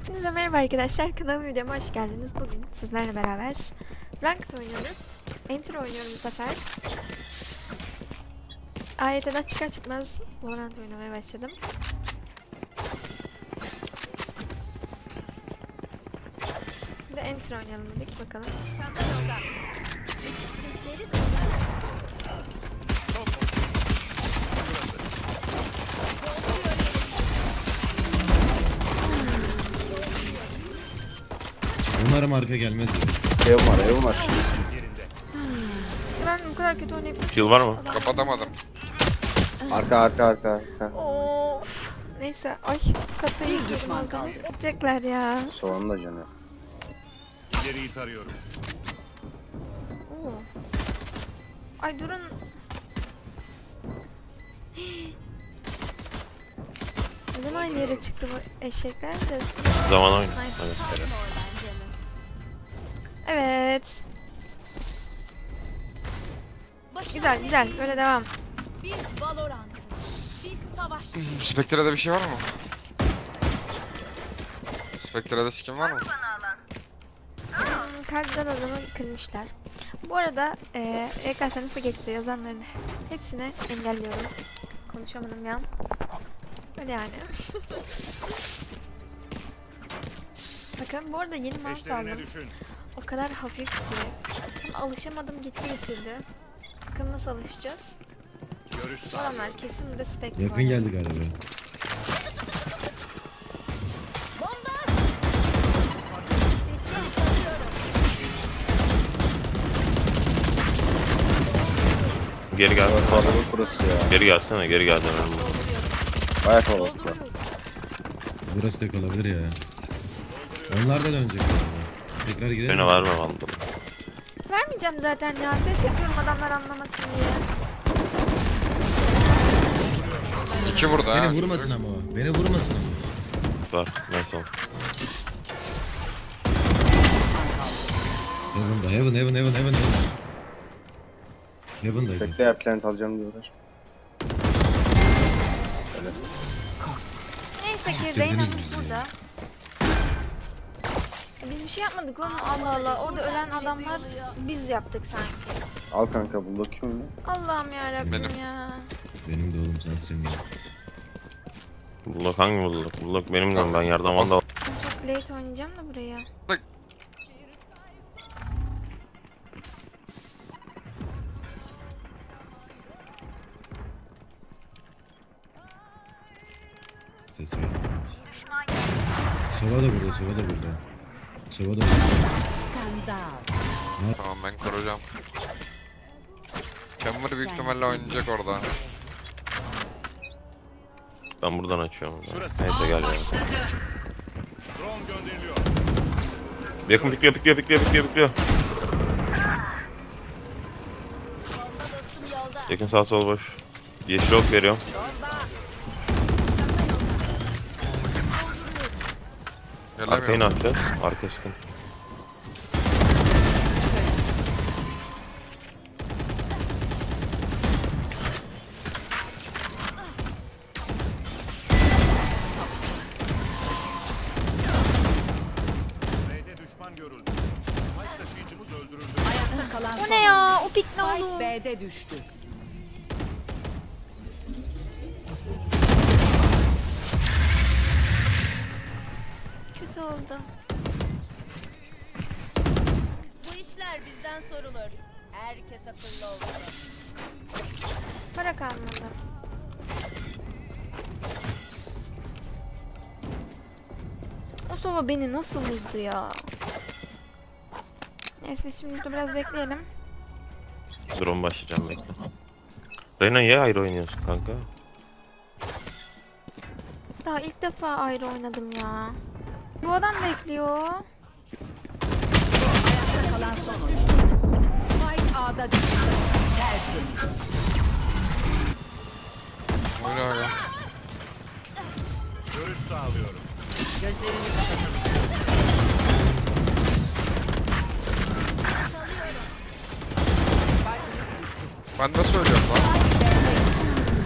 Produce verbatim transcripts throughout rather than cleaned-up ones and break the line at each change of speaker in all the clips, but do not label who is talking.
Hepinize merhaba arkadaşlar, kanalıma videoma hoş geldiniz. Bugün sizlerle beraber Ranked oynuyoruz. Enter oynuyorum bu sefer. A Y T'den çıkar çıkmaz Valorant oynamaya başladım. Bir de Enter oynayalım dedik, bakalım.
Umarım Arife gelmez ya.
Ev var, ev var.
Ben bu kadar kötü oynayıp...
Heal var mı?
Kapatamadım. Arka, arka, arka, arka.
Of. Neyse, ay kasayı düşman kaldı. Gidecekler ya.
Soğanla canı.
İleriyi tarıyorum.
Oo. Ay durun. Neden aynı yere çıktı bu eşekler de?
Zaman oyun.
Nice.
Evet.
Evet. Güzel güzel, böyle devam.
Biz Valorant'ız. Biz savaşçıyız.
Spectre'da bir şey var mı? Spectre'da skin var mı?
Hmm, Karşıdan adamı kırmışlar. Bu arada e, E K S nasıl geçti yazanların hepsini engelliyorum. Konuşamadım ya. Öyle yani. Bakın bu arada yeni mouse
Peşlerine
aldım.
düşün.
O kadar hafif ki. Ama alışamadım, gitti getirdi. Bakın nasıl alışacağız.
Görüş sağ.
Adamlar kesin burada stack
Yakın
var.
geldi galiba.
Geri gel.
Kalabalık burası ya.
Geri gelsene, geri gel.
Baya kalabalık var.
Burası tek olabilir ya. Onlar da dönecek galiba. Tekrar girelim.
Beni verme vandal.
Vermeyeceğim zaten ya. Ses yapıyorum adamlar anlamasın diye.
İki burada
Beni
ha.
vurmasın ama o. Beni vurmasın ama.
Var. Neyse oğlum.
Heaven'da, Heaven, Heaven, Heaven, Heaven, Heaven. Heaven'daydı.
Bekle ya, plant alacağım diyorlar.
Neyse ki
Siktirdiniz
Reyna'mız
bizi
burada. E Biz bir şey yapmadık oğlum, Allah Allah. Orada ölen adamlar biz yaptık sanki.
Al kanka, bunu bakayım mı?
Allah'ım yarabbim
Benim.
ya.
Benim de oğlum sen senin.
Bullok hangi bullok? Bullok benim de ben yerden vandal.
Ben çok late oynayacağım da buraya.
Ses verdim. Sova da burada, Sova da burada. Sova da burada.
Tamam, ben koruyacağım. Chamber büyük ihtimalle oynayacak orada.
Ben buradan açıyorum.
Şurası.
Neyse gel ya.
Drone gönderiliyor.
Yakın pikliyor, pikliyor, pikliyor, pikliyor, pikliyor. Yakın sağ sol boş. Yeşil ok veriyorum. Arkayı ne
Gelemiyorum.
yapacağız? Arka sıkın.
B'de düşman görüldü. Spike taşıyıcımız öldürüldü.
Ayakta kalan
O ne ya? O pik ne
Spike
oğlum?
B'de düştü.
Kötü oldu.
Bu işler bizden sorulur. Herkes akıllı olmalı.
Para kalmadı. O Sova beni nasıl vurdu ya? Neyse biz şimdi burada biraz bekleyelim.
Drone başlayacağım bekle. Reyna niye ayrı oynuyorsun kanka?
Daha ilk defa ayrı oynadım ya. Bu adam bekliyor.
Ayakta kalan son oyuncu. Spike A'da düştü. Tertemiz.
Oyna oyna.
Görüş sağlıyorum.
Gözlerini kapatalım.
Ben nasıl ölüyorum lan?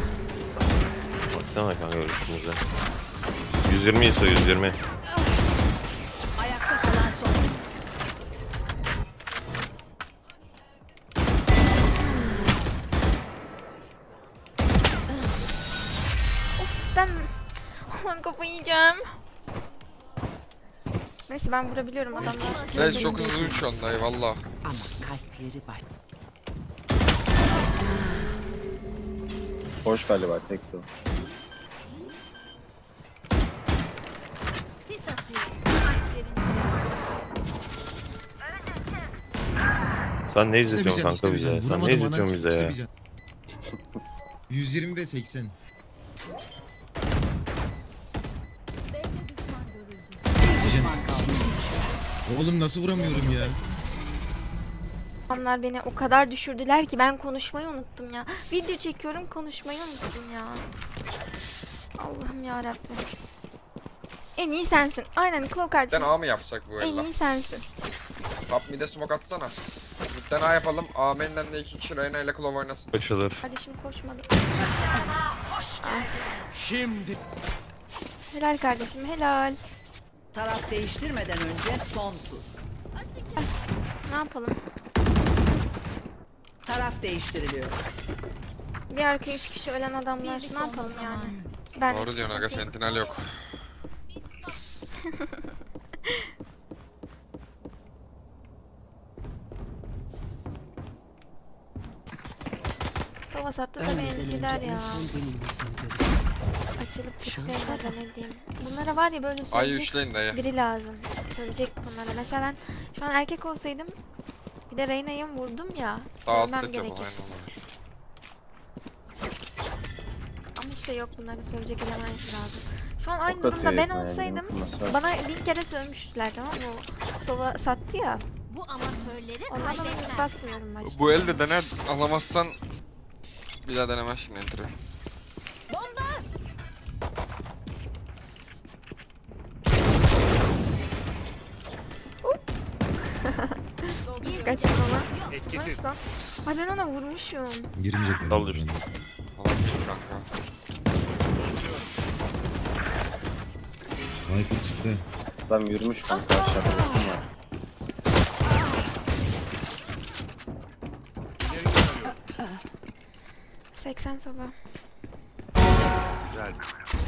Baksana kanka üstümüze. yüz yirmi ise yüz yirmi.
Aman kafayı yiyeceğim. Neyse ben vurabiliyorum adamlar.
Evet çok hızlı uçuyorsun dayı valla.
Ama kalpleri var.
Hoş galiba tek o.
Sen ne
İşte
izletiyorsun
bir can,
kanka
işte bir
bize?
can.
Sen
Vuramadım,
ne
ananı
izletiyorsun bize ya?
işte bir can. yüz yirmi ve seksen. Bir can. Oğlum nasıl vuramıyorum ya?
Onlar beni o kadar düşürdüler ki ben konuşmayı unuttum ya. Video çekiyorum konuşmayı unuttum ya. Allah'ım yarabbim. En iyi sensin. Aynen Claw
Midden
kardeşim.
A mı yapsak bu
En
ella?
iyi sensin.
Top mid'e smoke atsana. Midden A yapalım. A main'den de iki kişi Reyna ile Claw oynasın.
Açılır.
Kardeşim koşmadı.
Şimdi
Helal kardeşim helal.
Taraf değiştirmeden önce son tur.
Ne yapalım?
Taraf değiştiriliyor.
Bir arkaya üç kişi ölen adamlar. Ne yapalım yani? Ben
Doğru diyorsun aga, sentinel yok.
Sova sattı da beğeniciler ya. Açılıp çıkıyorlar ne diyeyim. Bunlara var ya böyle
Ay
söyleyecek
üçleyin dayı.
biri lazım. Söyleyecek bunlara. Mesela ben şu an erkek olsaydım bir de Reyna'yı vurdum ya. Söylemem
Dağıttık ya bu
gerekir.
aynen olur.
Ama işte yok bunları söyleyecek eleman lazım. Şu an aynı
Ok
durumda
atıyor
ben
herif yani,
olsaydım
nasıl?
bana bin kere sövmüştüler tamam mı? O Sova sattı ya.
Bu amatörleri
Ondan dolayı
kaybetmez.
basmıyorum başta.
Bu elde dene, alamazsan bir daha denemezsin entry.
Kaçın ona.
etkisiz.
Nasıl? Ay ben ona vurmuşum.
Girmeyecekler.
Daldır.
Alamıyorum kanka.
Viper çıktı.
Adam yürümüş kanka aşağıda bakın var.
seksen Sova.
Güzel.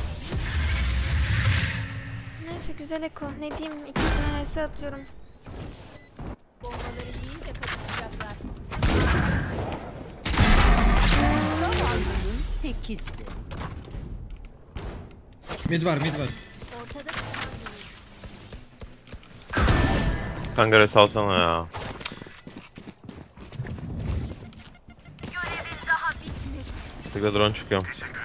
Neyse güzel Eko. Ne diyeyim? İkisine H S atıyorum.
Bombaları yiyince kaçışacaklar.
Zavallının tekisi.
Mid var mid var.
Ortada düşman görüldü.
Kanka res alsana ya. Bir de drone çıkıyorum.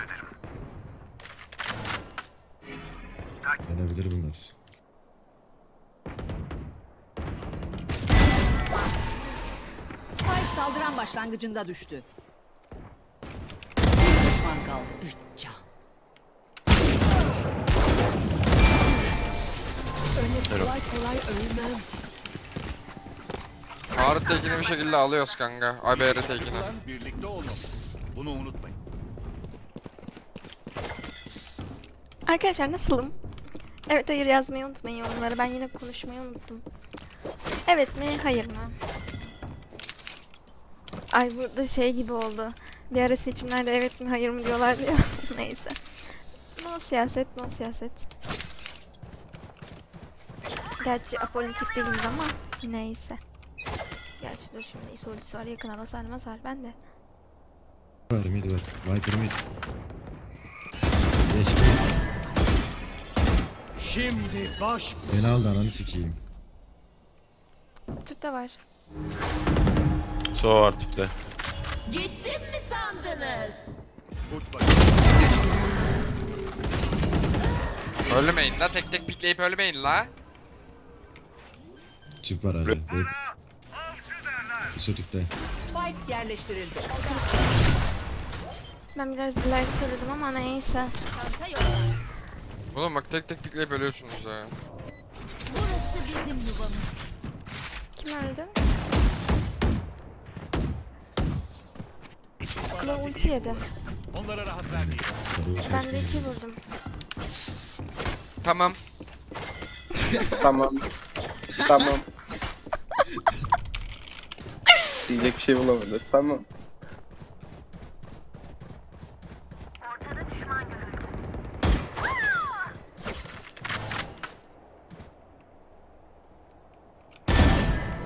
Yenebilir bunlar.
Spike saldıran başlangıcında düştü. Bir düşman kaldı. Üç can. Öyle kolay kolay ölmem.
Ağrı tekini bir şekilde alıyoruz kanka. Ay B R tekini.
Ulan birlikte olmalı. Bunu unutmayın.
Arkadaşlar nasılım? Evet hayır yazmayı unutmayın yorumlara. Ben yine konuşmayı unuttum. Evet mi hayır mı? Ay burada şey gibi oldu. Bir ara seçimlerde evet mi hayır mı diyorlardı ya. Neyse. No siyaset, no siyaset. Gerçi apolitik değiliz ama neyse. Gerçi dur şimdi isolcusu var yakına basar basar ben de.
Var mid var. Viper mid. Geçti.
Şimdi baş
Beni aldı ananı sikeyim.
Tüpte var.
Sova var tipte.
Gittim mi sandınız?
uç bak.
Ölmeyin la, tek tek pikleyip ölmeyin la.
Çip var hala. Bek. Isotükte.
Spike yerleştirildi.
Ben biraz ileride söyledim ama neyse.
Çanta yok.
Oğlum bak tek tek pikleyip ölüyorsunuz ya.
Burası bizim yuvamız.
Kim öldü? Klo ulti yedi.
Onlara rahat vermeyin.
Sarı
Ben de iki vurdum.
Tamam.
Tamam. Tamam. Diyecek bir şey bulamadı. Tamam.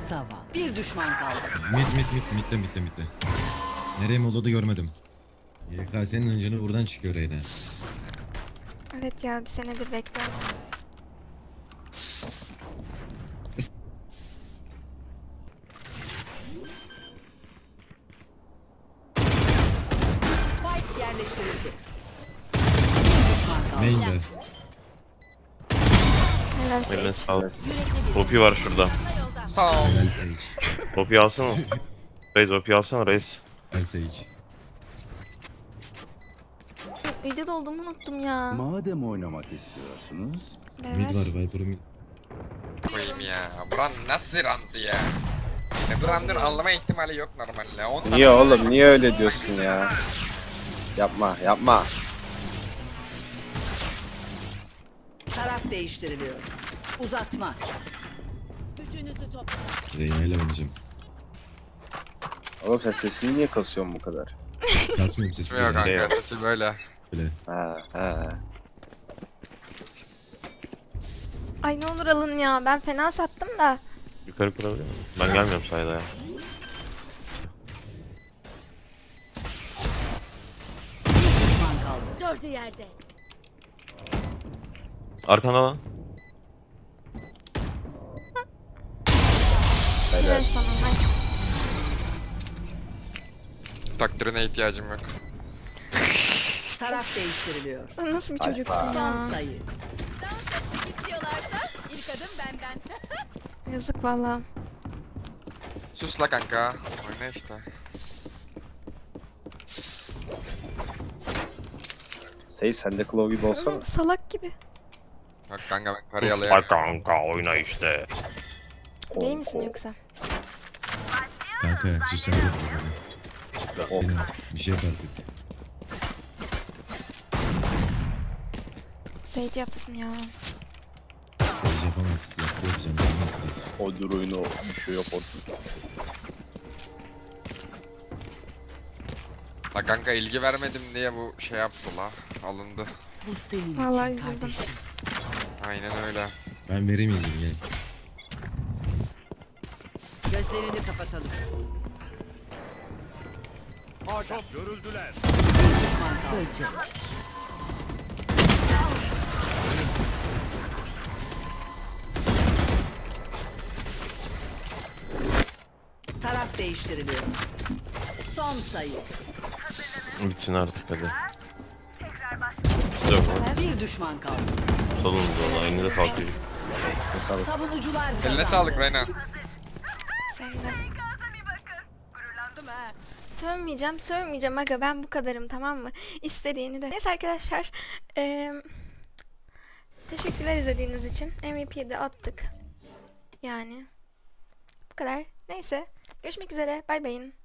Zavallı. Bir düşman kaldı.
Mid mid mid midde midde midde. Nereye molladı görmedim. Y K S'nin hıncını buradan çıkıyor Reyna.
Evet ya bir senedir bekliyorum.
Spike yerleştirildi. Bir düşman kaldı.
Main'de.
Helal
Eline
Sage.
sağlık. O P var şurada.
Sağ ol.
Helal Sage.
O P alsana. Reis o P alsana reis.
Helal Sage.
Edit olduğumu unuttum ya.
Madem oynamak istiyorsunuz,
Mid
Evet.
var Viper'ı mid.
Koyayım ya. Buran nasıl rantı ya? Ne Brand'ın anlama ihtimali yok normalde. on tane-
Niye oğlum? Niye öyle diyorsun ya? Yapma, yapma.
Taraf değiştiriliyor. Uzatma.
Reyna ile oynayacağım.
Oğlum sen sesini niye kasıyorsun bu kadar?
Kasmıyorum sesi
Yok
böyle.
kanka sesi böyle.
Böyle.
Ha, ha.
Ay ne olur alın ya. Ben fena sattım da.
Yukarı kurabiliyor muyum? Ben gelmiyorum sayda ya.
Bir düşman kaldı.
Dördü yerde.
Arkanda lan.
Helal sana. Nice.
Takdirine ihtiyacım yok.
Taraf değiştiriliyor.
Nasıl bir çocuksun
Son
ya.
sayı.
İstiyorlarsa ilk adım benden.
Yazık valla.
Sus la kanka. Oyna işte.
Sey sen de Claw gibi olsana.
Oğlum, salak gibi.
Bak kanka ben karıyı
Sus
alayım.
bak kanka oyna işte.
Gay misin yoksa?
Kanka sussanıza biraz hadi.
Oh.
Reyna bir şey yap artık.
Sage yapsın ya.
Sage yapamaz. Yaptı yapacağım. Sen yap biraz.
O dur oyunu bir şey yok orada.
La kanka ilgi vermedim diye bu şey yaptı la. Alındı.
Bu senin
Vallahi
için
üzüldüm.
kardeşim.
Aynen öyle.
Ben vereyim ilgimi gel.
Gözlerini kapatalım.
görüldüler.
Bir düşman kaldı. Taraf değiştiriliyor. Son sayı.
Bitsin artık hadi. Yok lan.
Bir düşman kaldı.
Salın da aynı da kalkıyor.
Sağlık.
Savunucular kazandı.
Eline sağlık Reyna.
Sen de. Sövmeyeceğim, sövmeyeceğim aga ben bu kadarım tamam mı? İstediğini de. Neyse arkadaşlar. eee, teşekkürler izlediğiniz için. M V P'yi de attık. Yani. Bu kadar. Neyse. Görüşmek üzere. Bay bayın.